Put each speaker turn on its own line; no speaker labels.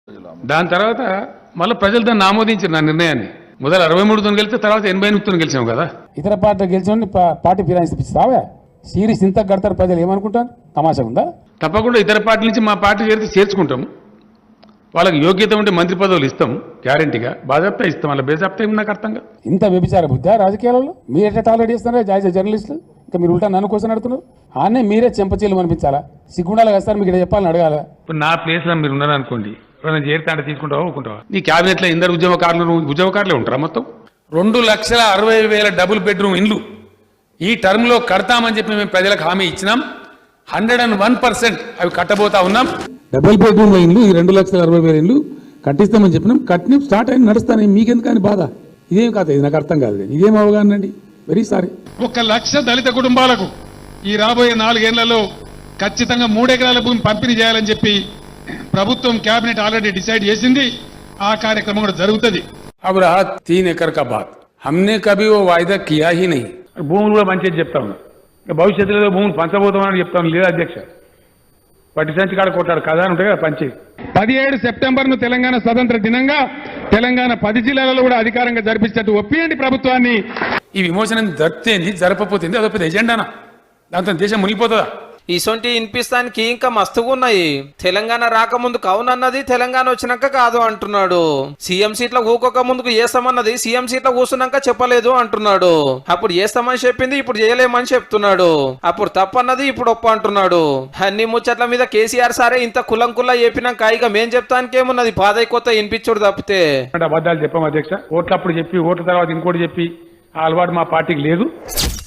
దాని తర్వాత మళ్ళీ ప్రజలు దాన్ని ఆమోదించారు నా నిర్ణయాన్ని. మొదలు 63తో గెలిస్తే తర్వాత 88తో గెలిచాం కదా.
ఇతర పార్టీ గెలిచిన పార్టీ ఫిరాయిస్తావా? సిరీస్ ఇంత కడతారు ప్రజలు ఏమనుకుంటారు? తమాషా ఉందా?
తప్పకుండా ఇతర పార్టీ నుంచి మా పార్టీ చేర్చుకుంటాము. వాళ్ళకి యోగ్యత ఉంటే మంత్రి పదవులు ఇస్తాం, గ్యారంటీగా. బాజాప్తా ఇస్తాం, వాళ్ళ బేజాప్తా ఏమి నాకు అర్థం కాదు.
ఇంత వ్యభిచార బుద్ధా రాజకీయాలలో? మీరు ఎట్లా టాలరేట్ చేస్తున్నారా జాయిజ్ జర్నలిస్టులు? ఇంకా మీరు ఉల్టా నన్ను కోసం అడుగుతున్నారు. ఆనే మీరే చెంపచీలు అనిపించాలా? సిగ్గుండాలి కదా సార్ మీకు ఇక్కడ చెప్పాలని అడగాల.
ఇప్పుడు నా ప్లేస్లో మీరు ఉన్నారనుకోండి, ఎవరైనా చేరితే అంటే తీసుకుంటావా ఊరుకుంటావా? నీ క్యాబినెట్లో ఇందరు ఉద్యమకారులే ఉంటారా? మొత్తం 2,60,000 డబుల్ బెడ్రూమ్ ఇండ్లు ఈ టర్మ్లో కడతామని చెప్పి మేము ప్రజలకు హామీ ఇచ్చినాం. 101% అవి కట్టబోతా ఉన్నాం.
డబుల్ బెడ్రూమ్ ఇండ్లు ఈ 2,60,000 ఇండ్లు కట్టిస్తామని చెప్పినాం. కట్టిన స్టార్ట్ అయిన నడుస్తాను. మీకెందుకు కానీ బాధ? ఇదేం కాదు, ఇది నాకు అర్థం కాదు. ఇదేం అవగాహన అండి? Very sorry.
1,00,000 దళిత కుటుంబాలకు ఈ రాబోయే 4 ఏళ్లలో ఖచ్చితంగా 3 ఎకరాల భూమి పంపిణీ చేయాలని చెప్పి ప్రభుత్వం కేబినెట్ ఆల్రెడీ డిసైడ్ చేసింది. ఆ కార్యక్రమం కూడా జరుగుతుంది.
अब रहा 3 एकड़ का बात, हमने कभी वो वायदा किया ही नहीं. భూములు కూడా మంచిది చెప్తా ఉన్నా. భవిష్యత్తులో భూములు పంచబోతామని చెప్తాను. లేదా అధ్యక్ష, పట్టి సంచి కాడ కొట్టాడు కదా అని ఉంటాయి కదా పంచేది.
17 సెప్టెంబర్ను తెలంగాణ స్వతంత్ర దినంగా తెలంగాణ 10 జిల్లాలలో కూడా అధికారంగా జరిపించినట్టు ఒప్పియండి ప్రభుత్వాన్ని.
ఈ విమోచనం జరిపితేంది, జరపపోతుంది అదో పెద్ద ఎజెండానా? దాంతో దేశం మునిగిపోతుందా?
ఇసొంటి వినిపిస్తానికి ఇంకా మస్తుగా ఉన్నాయి. తెలంగాణ రాకముందు అవునన్నది, తెలంగాణ వచ్చినాక కాదు అంటున్నాడు. సీఎం సీట్ల ఊకోక ముందుకు చేస్తామన్నది, సీఎం సీట్ల కూర్చున్నాక చెప్పలేదు అంటున్నాడు. అప్పుడు చేస్తామని చెప్పింది, ఇప్పుడు చేయలేమని చెప్తున్నాడు. అప్పుడు తప్పన్నది, ఇప్పుడు ఒప్ప అంటున్నాడు. అన్ని ముచ్చట్ల మీద కేసీఆర్ సారే ఇంత కులంకుల్లా చెప్పినాక ఇక మేం చెప్తానికి ఏమున్నది? పాదై కొత్త వినిపించుడు తప్పితే
అబద్ధాలు చెప్పాం అధ్యక్ష. ఓట్లప్పుడు చెప్పి ఓట్ల తర్వాత ఇంకోటి చెప్పి ఆ అలవాటు మా పార్టీకి లేదు.